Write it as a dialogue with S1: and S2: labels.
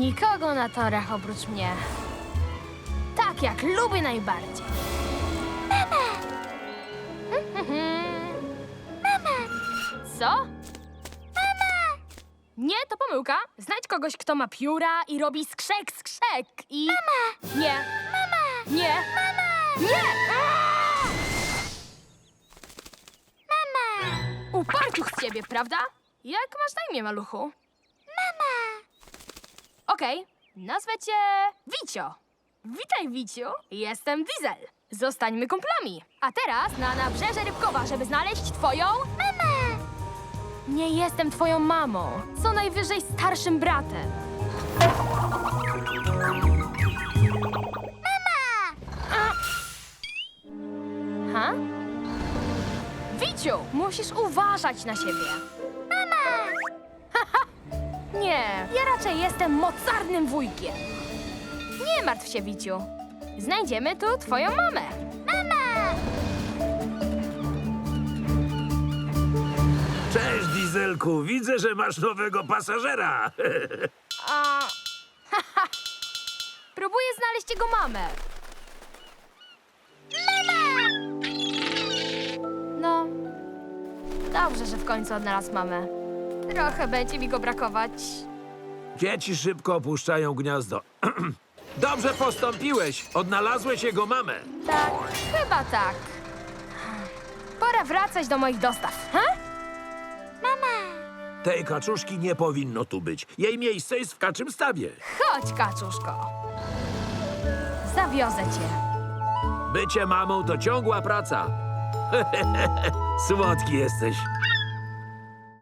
S1: Nikogo na torach oprócz mnie. Tak jak lubię najbardziej. Mama! Mama! Co? Mama! Nie, to pomyłka. Znajdź kogoś, kto ma pióra i robi skrzek, skrzek i... Mama! Nie. Mama! Nie. Mama! Nie! Aaa! Mama! Uparciuch z ciebie, prawda? Jak masz na imię, maluchu? Mama! Okej, nazwę cię Wicio. Witaj, Wiciu. Jestem Diesel. Zostańmy kumplami. A teraz na nabrzeże Rybkowa, żeby znaleźć twoją... Mamę! Nie jestem twoją mamą. Co najwyżej starszym bratem. Mama! Ha? Wiciu, musisz uważać na siebie. Mama! Nie, ja raczej jestem mocarnym wujkiem. Nie martw się, Wiciu. Znajdziemy tu twoją mamę. Mama!
S2: Cześć, Dieselku. Widzę, że masz nowego pasażera.
S1: A... Próbuję znaleźć jego mamę. Mama! No, dobrze, że w końcu odnalazł mamę. Trochę będzie mi go brakować.
S2: Dzieci szybko opuszczają gniazdo. Dobrze postąpiłeś. Odnalazłeś jego mamę.
S1: Tak, chyba tak. Pora wracać do moich dostaw, ha? Mama!
S2: Tej kaczuszki nie powinno tu być. Jej miejsce jest w kaczym stawie.
S1: Chodź, kaczuszko. Zawiozę cię.
S2: Bycie mamą to ciągła praca. Słodki jesteś.